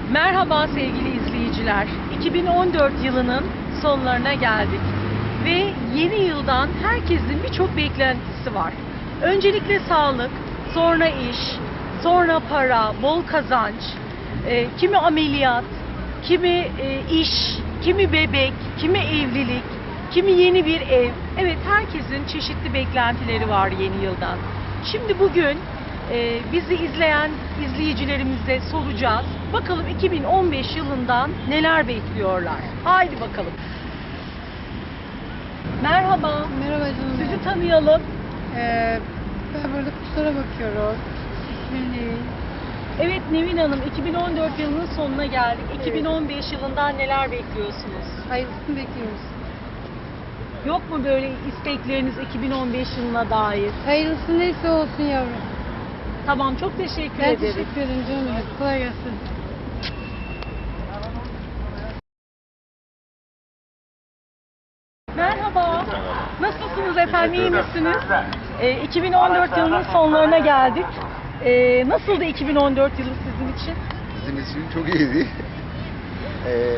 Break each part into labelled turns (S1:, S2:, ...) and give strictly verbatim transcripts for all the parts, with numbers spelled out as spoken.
S1: Merhaba sevgili izleyiciler. iki bin on dört yılının sonlarına geldik. Ve yeni yıldan herkesin birçok beklentisi var. Öncelikle sağlık, sonra iş, sonra para, bol kazanç, e, kimi ameliyat, kimi e, iş, kimi bebek, kimi evlilik, kimi yeni bir ev. Evet, herkesin çeşitli beklentileri var yeni yıldan. Şimdi bugün e, bizi izleyen izleyicilerimize soracağız. Bakalım iki bin on beş yılından neler bekliyorlar. Haydi bakalım. Merhaba.
S2: Merhaba canım.
S1: Sizi tanıyalım.
S2: Ee, ben burada kuşlara bakıyorum. İsmim Nevin.
S1: Evet Nevin Hanım, iki bin on dört yılının sonuna geldik. iki bin on beş yılından neler bekliyorsunuz?
S2: Hayırlısını bekliyoruz.
S1: Yok mu böyle istekleriniz iki bin on beş yılına dair?
S2: Hayırlısı neyse olsun yavrum.
S1: Tamam, çok teşekkür
S2: Ben
S1: ederiz.
S2: teşekkür ederim canım. Hadi kolay gelsin.
S1: Merhaba. Nasılsınız efendim? İyi misiniz? Ee, iki bin on dört yılının sonlarına geldik. Ee, nasıldı iki bin on dört yılı sizin için?
S3: Bizim için çok iyiydi. Ee,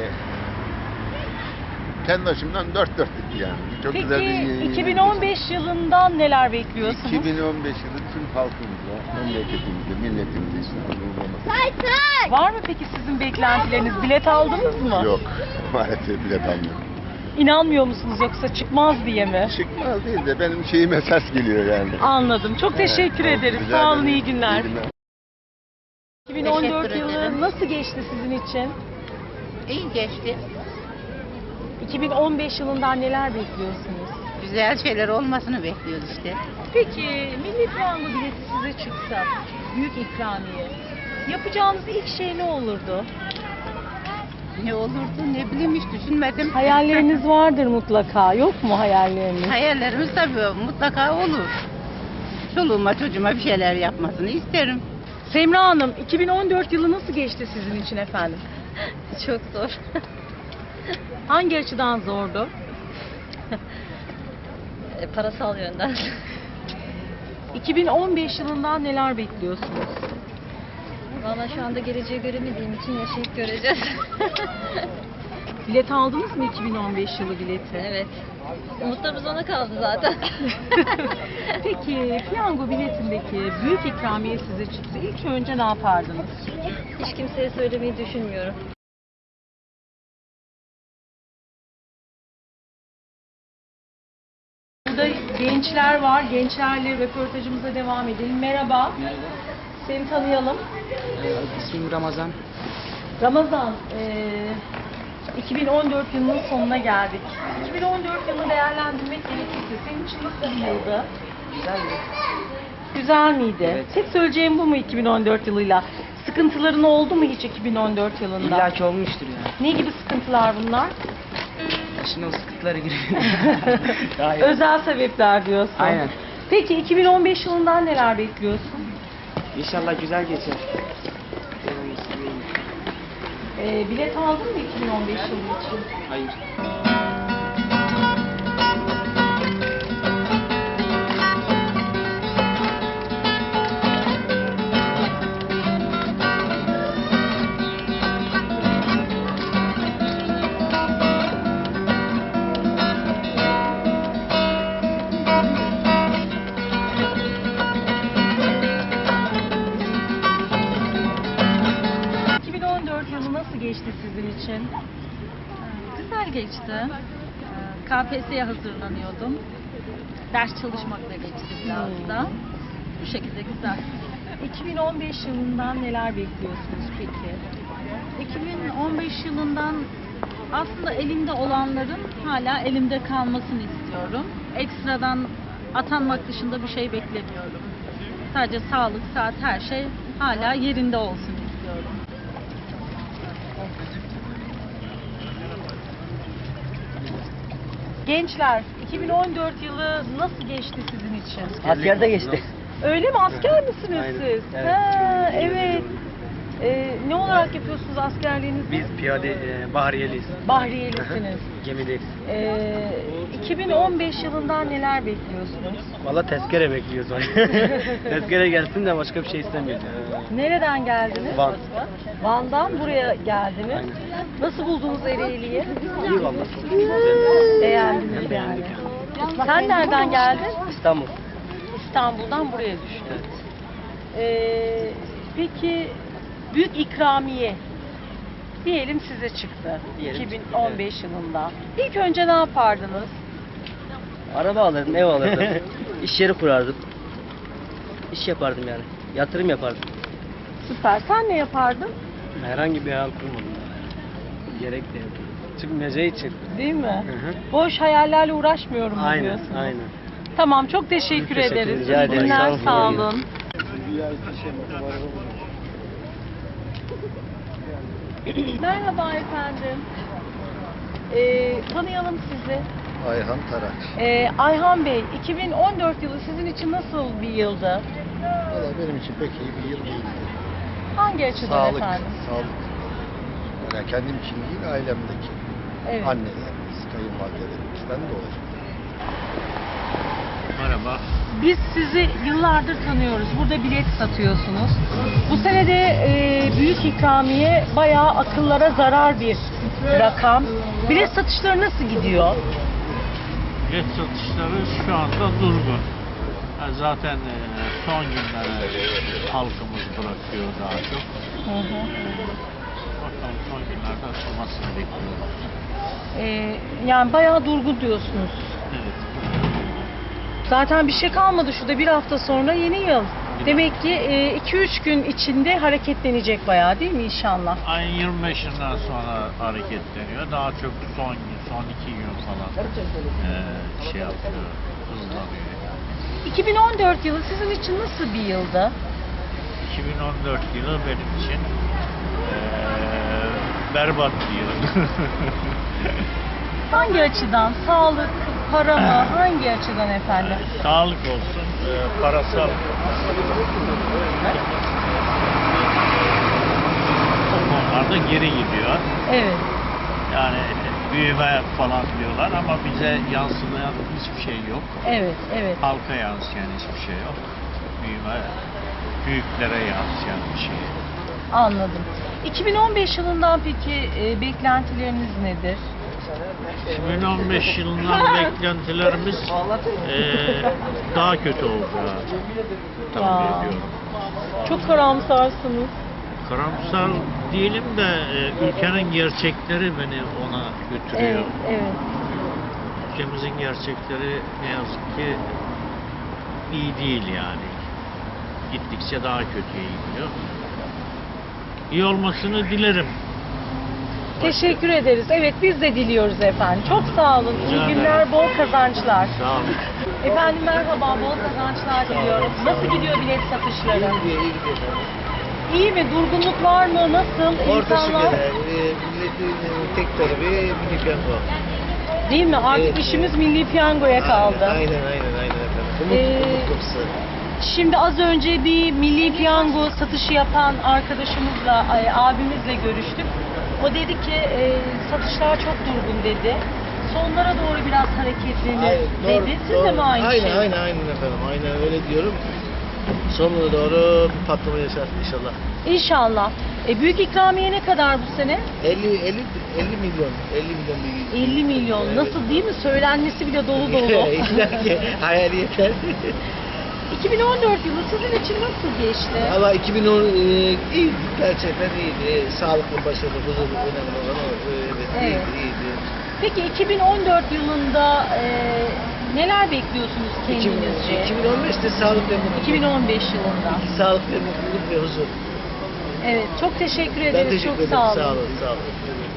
S3: kendi açımdan dört dörtlüktü yani. Çok
S1: Peki
S3: güzel bir
S1: iki bin on beş yılından neler bekliyorsunuz?
S3: iki bin on beş yılı tüm halkımıza, memleketimize, milletimize işte olması.
S1: Var mı peki sizin beklentileriniz? Bilet aldınız mı?
S3: Yok. Maalesef bilet almıyorum.
S1: İnanmıyor musunuz yoksa çıkmaz diye mi?
S3: Çıkmaz değil de benim şeyime ses geliyor yani.
S1: Anladım. Çok teşekkür
S3: Evet,
S1: ederiz.
S3: rica
S1: Sağ olun,
S3: ederim.
S1: iyi günler.
S3: İyi günler.
S1: iki bin on dört
S4: Teşekkür
S1: yılı
S4: ederim.
S1: nasıl geçti sizin için?
S4: İyi geçti.
S1: iki bin on beş yılından neler bekliyorsunuz?
S4: Güzel şeyler olmasını bekliyoruz işte.
S1: Peki Milli Piyango bileti size çıksa, büyük ikramiye, yapacağınız ilk şey ne olurdu?
S4: Ne olurdu ne bileyim hiç düşünmedim.
S1: Hayalleriniz vardır mutlaka, yok mu hayalleriniz?
S4: Hayallerimiz tabii mutlaka olur. Çoluğuma çocuğuma bir şeyler yapmasını isterim.
S1: Semra Hanım, iki bin on dört yılı nasıl geçti sizin için efendim?
S4: Çok zor.
S1: Hangi açıdan zordu?
S4: Parasal yönden.
S1: iki bin on beş yılından neler bekliyorsunuz?
S4: Valla şu anda geleceği göremediğim için yaşayıp göreceğiz.
S1: Bilet aldınız mı iki bin on beş yılı bileti?
S4: Evet. Umutlarımız ona kaldı zaten.
S1: Peki piyango biletindeki büyük ikramiye size çıksa ilk önce ne yapardınız?
S4: Hiç kimseye söylemeyi düşünmüyorum.
S1: Burada gençler var. Gençlerle röportajımıza devam edelim. Merhaba.
S5: Merhaba.
S1: Seni tanıyalım.
S5: Ee, ismim Ramazan.
S1: Ramazan, eee, iki bin on dört yılının sonuna geldik. iki bin on dört yılını değerlendirmek gerekirse senin için nasıl bir yıldı?
S5: Güzel mi?
S1: Güzel miydi?
S5: Evet.
S1: Tek söyleyeceğim bu mu iki bin on dört yılıyla? Sıkıntıların oldu mu hiç iki bin on dört yılında?
S5: İlla ki olmuştur yani.
S1: Ne gibi sıkıntılar bunlar?
S5: Şimdi o sıkıntılara giriyor. Hayır.
S1: Özel sebepler diyorsun.
S5: Aynen.
S1: Peki iki bin on beş yılından neler bekliyorsun?
S5: İnşallah güzel geçer. Devam etsin, iyiyim.
S1: Ee, bilet aldın mı iki bin on beş yılı için?
S5: Hayır.
S1: iki bin on dört yılı nasıl geçti sizin için?
S6: Güzel geçti. Ee, K P S S'ye hazırlanıyordum. Ders çalışmakla geçti biraz da. Bu şekilde güzel.
S1: iki bin on beş yılından neler bekliyorsunuz peki?
S6: iki bin on beş yılından aslında elimde olanların hala elimde kalmasını istiyorum. Ekstradan atanmak dışında bir şey beklemiyorum. Sadece sağlık, saat, her şey hala yerinde olsun istiyorum.
S1: Gençler, iki bin on dört yılı nasıl geçti sizin için?
S5: Askerde geçti.
S1: Öyle mi? Asker misiniz
S5: Aynen.
S1: siz?
S5: Evet.
S1: Ha, evet. Ee, ne olarak yapıyorsunuz askerliğinizi?
S5: Biz piyade e, bahriyeliyiz.
S1: Bahriyelisiniz.
S5: Gemideyiz.
S1: Ee, iki bin on beş yılından neler bekliyorsunuz?
S5: Valla tezkere bekliyoruz. Tezkere gelsin de başka bir şey istemiyoruz.
S1: Nereden geldiniz?
S7: Van.
S1: Van'dan buraya geldiniz. Nasıl buldunuz Ereğli'yi?
S7: İyi vallahi çok güzel.
S1: Beğendiniz yani. Sen nereden geldin?
S7: İstanbul.
S1: İstanbul'dan buraya düştün. Ee, peki büyük ikramiye diyelim size çıktı
S7: Diyelim
S1: iki bin
S7: çıktı,
S1: on beş yılında. İlk önce ne yapardınız?
S7: Araba alırdım, ev alırdım. İş yeri kurardım. İş yapardım yani. Yatırım yapardım.
S1: Süper. Sen ne yapardın?
S7: Herhangi bir hayal kurmadım. Gerek de yok. Çıkmayacağı için.
S1: Değil mi?
S7: Hı hı.
S1: Boş hayallerle uğraşmıyorum mu
S7: Aynen,
S1: diyorsun?
S7: aynen.
S1: Tamam, çok teşekkür,
S7: Teşekkür
S1: ederiz.
S7: rica
S1: İyi
S7: ederim.
S1: günler,
S7: Sağ olun.
S1: sağ olun. Merhaba efendim. Ee, tanıyalım sizi.
S3: Ayhan Taraç.
S1: Ee, Ayhan Bey, iki bin on dört yılı sizin için nasıl bir yıldı?
S3: Valla benim için pek iyi bir yıl değildi.
S1: Hangi açıdan
S3: Sağlık,
S1: efendim?
S3: sağlık. Yani kendim için değil, ailemdeki.
S1: Evet.
S3: Annelerimiz, kayınvalidelerimizden dolayı.
S8: Merhaba.
S1: Biz sizi yıllardır tanıyoruz. Burada bilet satıyorsunuz. Bu sene de e, büyük ikramiye bayağı akıllara zarar bir rakam. Bilet satışları nasıl gidiyor?
S8: Bilet satışları şu anda durgun. Yani zaten e, son günlere halkımız bırakıyor daha çok.
S1: Hı hı.
S8: Bakalım son günlerde açılmasını bekliyoruz.
S1: E, yani bayağı durgun diyorsunuz.
S8: Evet.
S1: Zaten bir şey kalmadı şurada, bir hafta sonra yeni yıl. Demek ki iki üç gün içinde hareketlenecek bayağı, değil mi inşallah?
S8: Ayın yirmi beşinden sonra hareketleniyor. Daha çok son gün, son iki gün falan e, şey yapıyor, hızlanıyor.
S1: iki bin on dört yılı sizin için nasıl bir yıldı?
S8: iki bin on dört yılı benim için e, berbat bir yıl.
S1: Hangi açıdan? Sağlık, para mı? Hangi açıdan efendim?
S8: Sağlık olsun, e, parasal o konularda geri gidiyor.
S1: Evet.
S8: Yani büyüme falan diyorlar ama bize yansımayan hiçbir şey yok.
S1: Evet, evet.
S8: Halka yansıyan hiçbir şey yok. Büyüme büyüklere yansıyan bir şey.
S1: Anladım. iki bin on beş yılından peki e, beklentileriniz nedir?
S8: iki bin on beş yılından beklentilerimiz e, daha kötü olacağı tahmin
S1: Ya.
S8: ediyorum.
S1: Çok karamsarsınız.
S8: Karamsar değilim de e, ülkenin gerçekleri beni ona götürüyor.
S1: Evet, evet.
S8: Ülkemizin gerçekleri ne yazık ki iyi değil yani. Gittikçe daha kötüye gidiyor. İyi olmasını dilerim.
S1: Teşekkür ederiz. Evet, biz de diliyoruz efendim. Çok sağ olun.
S8: Rica
S1: İyi
S8: ederim.
S1: günler, bol kazançlar.
S8: Sağ olun.
S1: Efendim merhaba, bol kazançlar diliyorum. Nasıl gidiyor bilet satışları? İyi mi? Durgunluk var mı? Nasıl?
S9: Ortası
S1: İnsanlar...
S9: göre e, milletin tek talebi milli piyango.
S1: Değil mi? Artık
S9: Evet.
S1: işimiz milli piyangoya kaldı.
S9: Aynen aynen aynen efendim. Umut,
S1: Ee,
S9: umut kapısı.
S1: Şimdi az önce bir milli piyango satışı yapan arkadaşımızla, ay, abimizle görüştük. O dedi ki e, satışlar çok durgun dedi. Sonlara doğru biraz hareketlenir
S9: Aynen, doğru,
S1: dedi. Siz
S9: doğru.
S1: de mi aynı
S9: aynen,
S1: şey?
S9: Aynen aynen efendim. Aynen öyle diyorum. Sonuna doğru bir patlama yaşar inşallah.
S1: İnşallah. E, büyük ikramiye ne kadar bu sene?
S9: elli elli elli milyon. elli milyon bir.
S1: elli milyon.
S9: Evet.
S1: Nasıl, değil mi? Söylenmesi bile dolu dolu.
S9: İlla ki hayal yeter.
S1: iki bin on dört yılı sizin için nasıl geçti?
S9: Ama iki bin on e, iyiydi. Gerçekten iyiydi. Sağlıklı, başarılı, huzurlu, önemli olan o. Evet,
S1: Evet.
S9: iyiydi, iyiydi.
S1: Peki iki bin on dört yılında e, neler bekliyorsunuz kendinizce?
S9: iki bin on beşte sağlık ve mutluluk.
S1: iki bin on beş yılında.
S9: Sağlık ve mutluluk ve huzur.
S1: Evet, çok teşekkür
S9: Ben
S1: ederiz.
S9: teşekkür
S1: Çok
S9: ederim.
S1: sağ olun.
S9: Sağ olun. Sağ olun.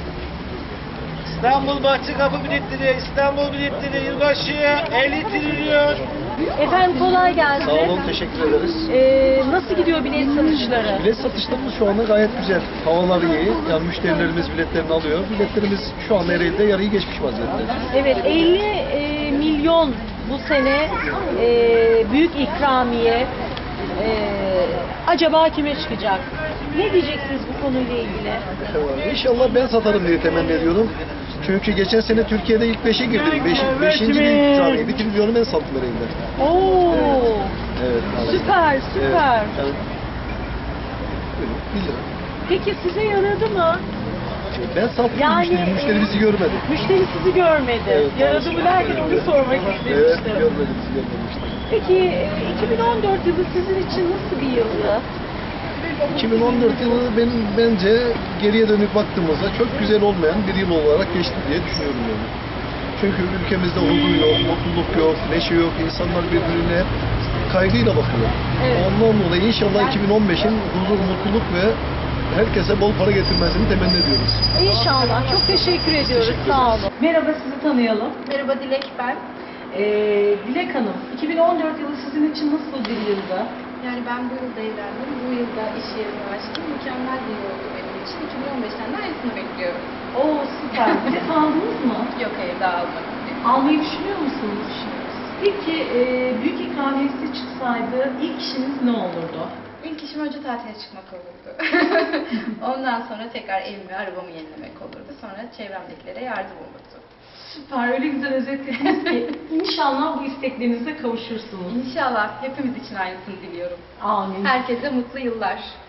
S9: İstanbul Bahçe Kapı biletleri, İstanbul biletleri yılbaşıya elli trilyon.
S1: Efendim kolay gelsin.
S10: Sağ olun, teşekkür ederiz.
S1: Ee, nasıl gidiyor bilet satışları?
S10: Bilet satışlarımız şu anda gayet güzel. Havalar iyi. Yani müşterilerimiz biletlerini alıyor. Biletlerimiz şu anda Ereğli'de yarıyı geçmiş vaziyette.
S1: Evet, elli e, milyon bu sene e, büyük ikramiye. E, acaba kime çıkacak? Ne diyeceksiniz bu konuyla ilgili?
S10: İnşallah ben satarım diye temenni ediyorum. Çünkü geçen sene Türkiye'de ilk beşe girdim. Beş, beşinci bir ikramiye. Bir trilyonu ben sattım Ereğli'de.
S1: Oo,
S10: Evet. maalesef.
S1: süper, süper.
S10: Evet, evet. bir lira.
S1: Peki size yaradı mı?
S10: Ben sattım,
S1: Yani,
S10: müşteri, müşteri bizi görmedi.
S1: Müşteri sizi görmedi.
S10: Evet,
S1: Yaradı mı derken onu sormak
S10: Evet,
S1: istemiştim.
S10: görmedi, bizi görmemişti.
S1: Peki e, iki bin on dört yılı sizin için nasıl bir yıldı?
S10: iki bin on dört yılı benim bence geriye dönüp baktığımızda çok güzel olmayan bir yıl olarak geçti diye düşünüyorum yani. Çünkü ülkemizde huzur yok, mutluluk yok, neşe yok, insanlar birbirine hep kaygıyla bakıyor.
S1: Evet.
S10: Ondan dolayı inşallah iki bin on beşin huzur, mutluluk ve herkese bol para getirmesini temenni ediyoruz.
S1: İnşallah. Çok teşekkür ediyoruz.
S10: teşekkür
S1: Sağ
S10: ederiz.
S1: olun. Merhaba, sizi tanıyalım.
S2: Merhaba Dilek ben.
S1: Ee, Dilek Hanım, iki bin on dört yılı sizin için nasıl bir yıldı?
S2: Yani ben bu yılda evlendim. Bu yılda iş yerimi açtım. Mükemmel bir yıl oldu benim için. iki bin on beşten de aynısını bekliyorum.
S1: Oo, süper. Bilet aldınız mı?
S2: Yok hayır daha almadım.
S1: Almayı düşünüyor musunuz? Peki e, büyük ikramiyesi çıksaydı ilk işiniz ne olurdu?
S2: İlk işim önce tatile çıkmak olurdu. Ondan sonra tekrar evimi, arabamı yenilemek olurdu. Sonra çevremdekilere yardım olurdu.
S1: Süper, öyle güzel özetlediniz ki inşallah bu isteklerinize kavuşursunuz.
S2: İnşallah hepimiz için aynısını diliyorum.
S1: Amin.
S2: Herkese mutlu yıllar.